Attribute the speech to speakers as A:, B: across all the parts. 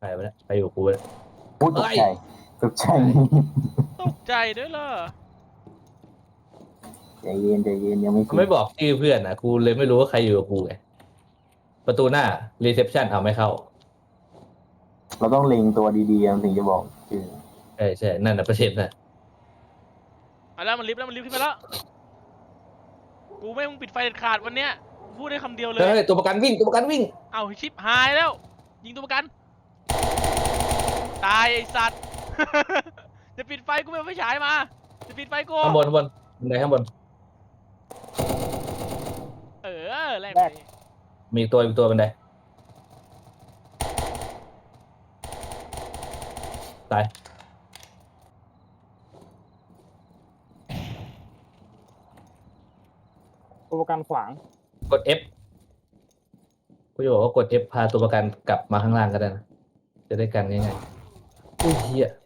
A: ไปแล้วไปอยู่กูเลย
B: พูดตกใจตกใจ
C: ตกใจด้วยเหรอ
B: ใจเย็นใจเย็นยังไม่
A: เขาไม่บอกชื่อเพื่อนนะกูเลยไม่รู้ว่าใครอยู่กับกูไงประตูหน้ารีเซพชันเอาไม่เข้า
B: เราต้องเล็งตัวดีๆถึงจะบอกคือ
A: ใช่นั่นน่ะประเด็นน่ะ
C: เอาแล้วมันลิฟต์ขึ้นมาแล้วกูไม่ให้มึงปิดไฟเด็ดขาดวันเนี้ยพูดได้คำเดียวเลย
A: เฮ้ยตัวประกันวิ่ง
C: เอาชิปหายแล้ว ยิงตัวประกัน ตายไอสัตว์ จะปิดไฟกูไม่เอาไฟฉายมาจะปิดไฟกู
A: ข้างบนบันไดข้างบน
C: แรก
A: มีอีกตัวบันไดตาย
D: ตัวประกันขวาง
A: กด F กูจะบอกว่ากด F พาตัวประกันกลับมาข้างล่างก็ได้นะจะได้กันง่ายๆอุ้ยเหี้ย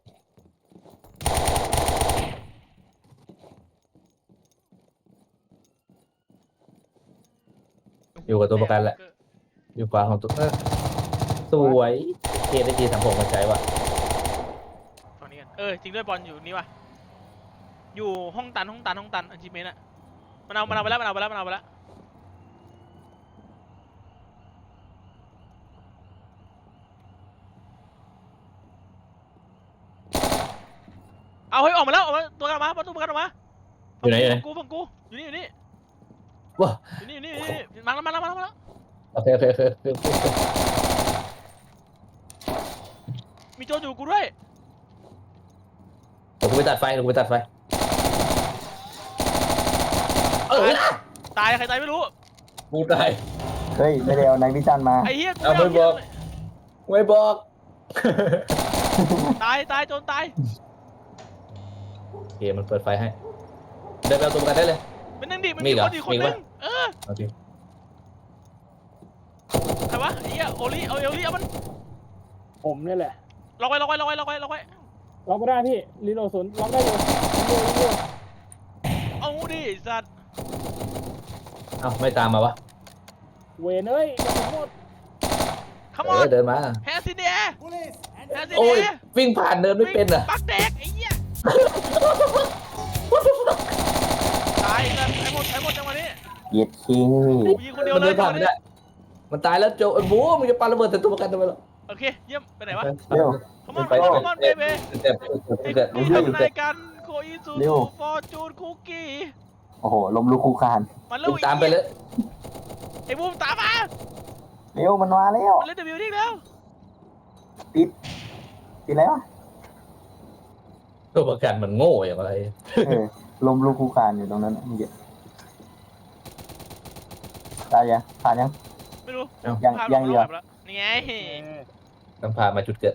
A: อยู่กับตัวประกันแหละอยู่ขวาของตัวสวยเกได้ที36มาใช้ว่ะ
C: ฝั่งนี้กันจริงด้วยบอลอยู่นี่วะอยู่ห้องตันอันจิเมนอะมันเอาไปแล้วเอาเฮ้ยออกมาตัวกันออกมาประกันออกมา
A: อยู่ไหน
C: ฝั่งกูอยู่นี่
A: ว้า
C: อยู่นี่มาแล้ว
A: โอเค
C: มีโจรอยู่กูด้วย
A: เดี๋ยวกูไปตัดไฟ
C: ตายใครตายไม่รู้
A: กูตาย
B: เฮ้ยไม่ได้เอาไนท์วิชั่นมา
C: ไอ้เหี้ยกู
A: เอาไม่บอก ไม่บอก
C: ตายโจรตาย
A: โอเคมันเปิดไฟให้เดินไปเอาตัวประกันได้เลย
C: มันนั่งดิมัน
A: มี
C: มี
A: เหรอ
C: คนอีกคน
A: มี
C: นึ
A: ปะ
C: ง
A: โอเค
C: ใครวะไอ้เหี้ยโอลิเอามัน
D: ผมนี่แหละ
C: ล็อกไว้
D: ล็อกไม่ได้พี่รีโหลดศูนย์ล็อกได้เลยรีโหลด
C: เอาดิสัตว์
A: เอ้าไม่ตามมาวะ
D: เวนเอ้ยกระสุนหมด
C: ขมอน
A: เดินมา
C: แฮนซินเดีย
A: โอ้ยวิ่งผ่านเดินไม่เป็นอ่ะ
C: ปักแดกไอ้เหี้ยตายกันไอ้หมดจังหวะนี้
B: เย็ดคิง
C: กูยิงคนเดียว
A: มัน
C: เล
A: เดิ
C: ย
A: นผ่านไม่ได้มันตายแล้วโจไอ้บู๊มึงจะปาระเบิดใส่ตัวประกันทำไมล่ะ
C: โอเคเยี่ยมไปไหนวะ
B: เร็ว
C: ขมอน
A: ไป
C: เบเบ้
A: เต็ม
C: มีทำนายกันโคอิซูฟอร์จูนคุกกี้
B: โอ้โหลมลุกคูคาน
C: มันเร็ว
A: ตามไปเลย
C: ไอ้บูมตามมา
B: เร็วมันมาแล้ว
C: มันเล่นเดบิวต์แล้ว
B: ปิดแล้ว
A: ตัวประกันมันโง่อย่างไร
B: ลมลุกคูคานอยู่ตรงนั้นเมื่อกี้ตายยังผ่านยัง
C: ไม่รู้
B: ยังเหรอ
C: นี่ไง
A: ต้องพามาจุดเกิด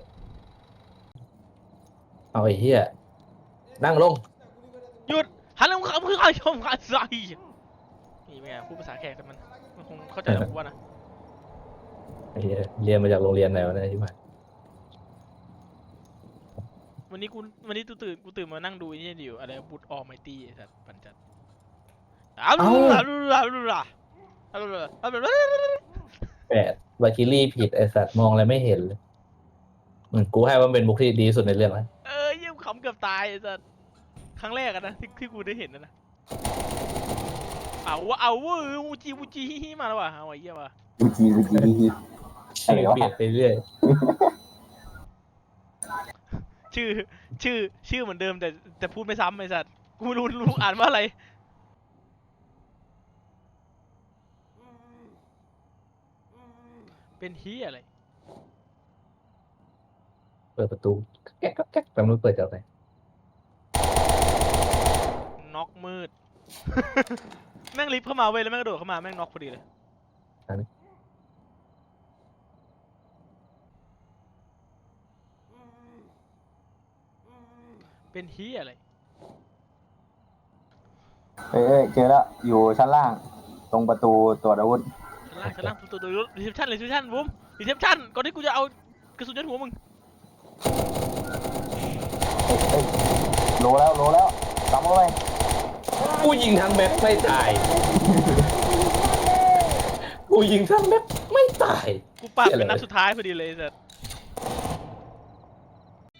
A: เอาไอ้เหี้ยนั่งลง
C: หยุดหันหลังเขาคือใครชมกันใส่นี่เป็นไงพูดภาษาแขกแต่มันคงเข้าใจหรอกว่านะ
A: ไอ้เหี้ยเรียนมาจากโรงเรียนไหนวะเนี่ยที่ผ่าน
C: วันนี้กูตื่นมานั่งดูนี่อยู่อะไรบุตรออไมตี้สัตว์ปัญจัด
A: 8วาคิลี่ผิดไอสัตว์มองอะไรไม่เห็นเลยกูให้ว่าเป็นบุคที่ดีสุดในเรื่องแล้ว
C: ยิ่งขำเกือบตายสัตว์ครั้งแรกนะที่กูได้เห็นนะเอาวูจีมาแล้วว่ะเอาไอ้เหี้ยว่ะ
B: บูจีอะไรวะ
A: เปลี่ยนไปเรื่อย
C: ชื่อเหมือนเดิมแต่พูดไม่ซ้ำไอ้สัตว์กูไม่รู้อ่านว่าอะไรเป็นเหี้ยอะไร
A: เปิดประตูแก๊กแป๊บนึงเปิดจากไหน
C: น็อกมืด แม่งลิฟต์เข้ามาเว้ยแล้วแม่งกระโดดเข้ามาแม่งน็อกพอดีเลยเป็นเหี้ยอะไร
B: เอ้ยเจอแล้วอยู่ชั้นล่างตรงประตูตรวจอาวุธ
C: ชั้นล่างตัวรีเซพชั่นบูมรีเซพชั่นก่อนที่กูจะเอากระสุนยัดหัวมึง
B: โลแล้วตามเข้าไป
A: กูยิงทั้งแม็กไม่ตายกูยิงทั้งแม็กไม่ตาย
C: กูปาดเป็นนัดสุดท้ายพอดีเลยสัตว์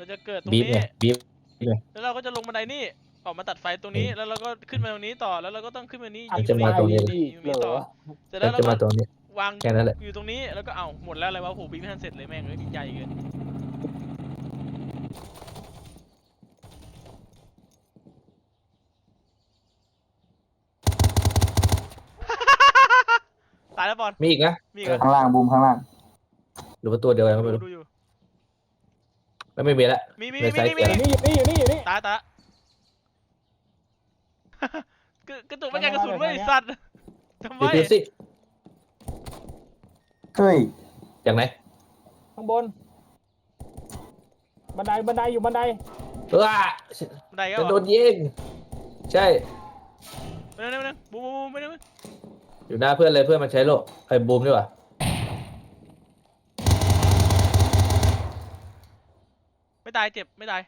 C: เราจะเกิดตรง
A: บีบ
C: นี้
A: ไงบีบ
C: แล้วเราก็จะลงบันไดนี่ออกมาตัดไฟตรงนี้ แล้วเราก็ขึ้นมาตรงนี้ต่อ แล้วเราก็ต้องขึ้นมานี้ยิง
A: จะมาตรงนี้
D: ดี
C: ยิงตรงนี้ต่อ เสร็จ
A: แล้
C: แล้ว วเรา
A: จะ
C: ก็
A: มาตรงนี้
C: วาง
A: แค่นั้นแหละ
C: อยู่ตรงนี้ แล้วก็เอ้าหมดแล้วอะไรวะโอ้โหบีบไม่ทันเสร็จเลยแม่งเลยใหญ่เกิน ตายแล้วบอล
A: มีอีกนะ
C: มีอีกเหรอ
B: ข้างล่างบูมข้างล่าง
A: หรือว่าตัวเดียวกันก็ไม่รู้
C: ดูอยู่
A: ไม่มีแล้ว
C: มี
A: ในไซส์
D: อยู่นี่อยู่นี่อยู่นี่
C: ตายละกระตุกไม่ไงกระสุนไม่ไอ้สัตว์ทำไม
A: ดูสิ
B: เฮ้ย
A: จากไหน
D: ข้างบน บันไดอยู่บันได
A: ว้า
C: บันไดก็
A: จะโดนยิงใช่
C: ไม่ได้บูมไม่ได้
A: อยู่หน้าเพื่อนเลยเพื่อนมันใช้โล่ไอ้บูมดีกว่า
C: ไม่ตายเจ็บไม่ตาย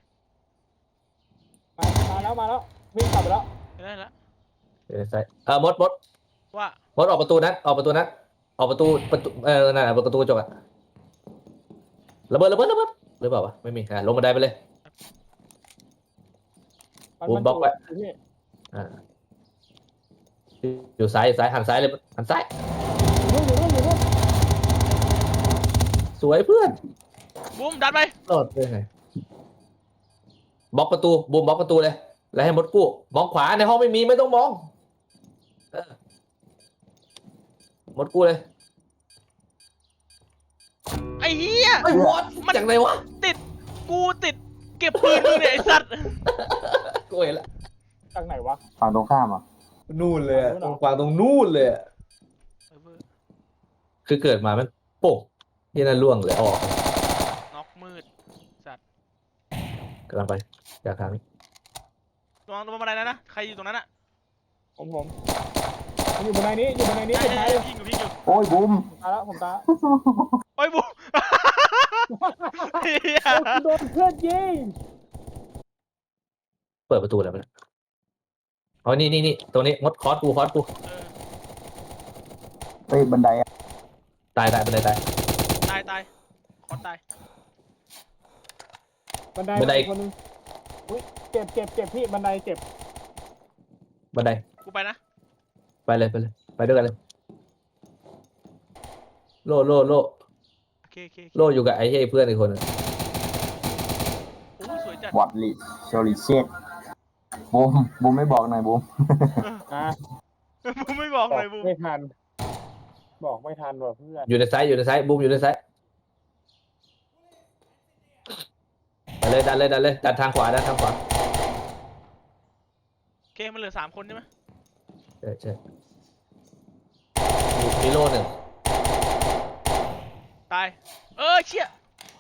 D: มาแล้ววิ่งกลับไปแล้ว
C: ไม่ได้ละ
A: เดี๋ยวในไซส์มด
C: ว่า
A: ออกประตูนั้นออกประตูนั่นน่ะประตูกระจกอะระเบิดหรือเปล่าวะไม่มีลงบันไดไปเลย บูมบล็อกไว้
D: พี่
A: อยู่ซ้ายหันซ้ายเลยหันซ้าย
D: อยู่นู่น
A: สวยเพื่อน
C: บูมดันไป
A: รอดได้ไงบล็อกประตูบูมบล็อกประตูเลยแล้วให้มดกู้มองขวาในห้องไม่มีไม่ต้องมองมดกู้เลย
C: ไอ้เหี้ย
A: ไอ้วอดจากไหนวะ
C: กูติดเก็บปืนมึงเนี่ยไอ้สัตว์
A: กูเห็นละ
D: จากไหนวะ
B: ฝั่งตรงข้ามอ่ะ
A: นู่นเลยตรงกวางตรงนู่นเลยคือเกิดมามันโป๊กที่นั่นล่วงเลยออก
C: น็อกมืดสัตว์
A: กำลังไปจากทางนี้
C: ระวังบันไดนะใครอยู่ตรงนั้นอะ
D: ผมอยู่บันไดนี้สุดท้ายเลย
C: ยิงอยู่
B: โอ้ยบูม
D: ผมตาย
C: โอ้ยบูมเหี้ย
D: โดนเพื่อนยิง
A: เปิดประตูแล้วมันอ๋อนี่ตรงนี้มดคอร์สกู
B: เฮ้ยบันไดอะ
A: ตายบันไดตาย
C: ตายคอนตาย
D: บันได
A: บันได
D: คนนึงอุ้ยเจ็บพี่บันไดเจ็บ
A: บันได
C: กูไปนะ
A: ไปเลยไปด้วยกันเลยโล่
C: โอเค
A: โล่อยู่กับไอ้เฮ้ยเพื่อนอีกคนนึง
C: โอ้สวยจัด
B: วอดลิโชลิเชตบูมไม่บอกหน่อยบูม
D: อ่ะ
C: บูมไม่บอกเลยบูม
D: ไม่ทันบอกไม่ทันว่ะเพื่อน
A: อยู่ในไซส์บูมอยู่ในไซส์ดันเลยดันทางขวา
C: โอเคมันเหลือ3 คนใช่ไหม
A: ใช่มีโล่หนึ่ง
C: ตายเชี่ย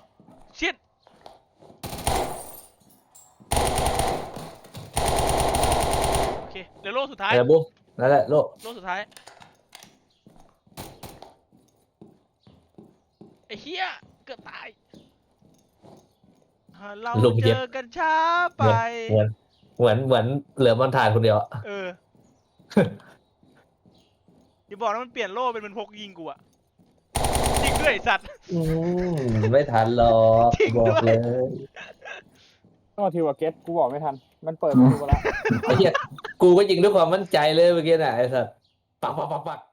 C: โอเคเหลือโล่สุดท้าย
A: บูมนั่นแหละโล่
C: โล่สุดท้ายไอ้เหี้ยเกือบตายเราเจอกันช้าไป
A: เหมือนเหลือมันถ่านคนเดียว
C: อย่าบอกนะมันเปลี่ยนโล่เป็นพกยิงกูอะยิงด้วยไอ้สัตว์
A: ไม่ทันหรอก
C: จริงด้วย
A: บอกเลย
D: ต้องมาทีว่าเก็ตกูบอกไม่ทันมันเปิดประตูแล้ว
A: ไอ้เหี้ยกูก็ยิงด้วยความมั่นใจเลยเมื่อกี้น่ะไอ้สัสปัก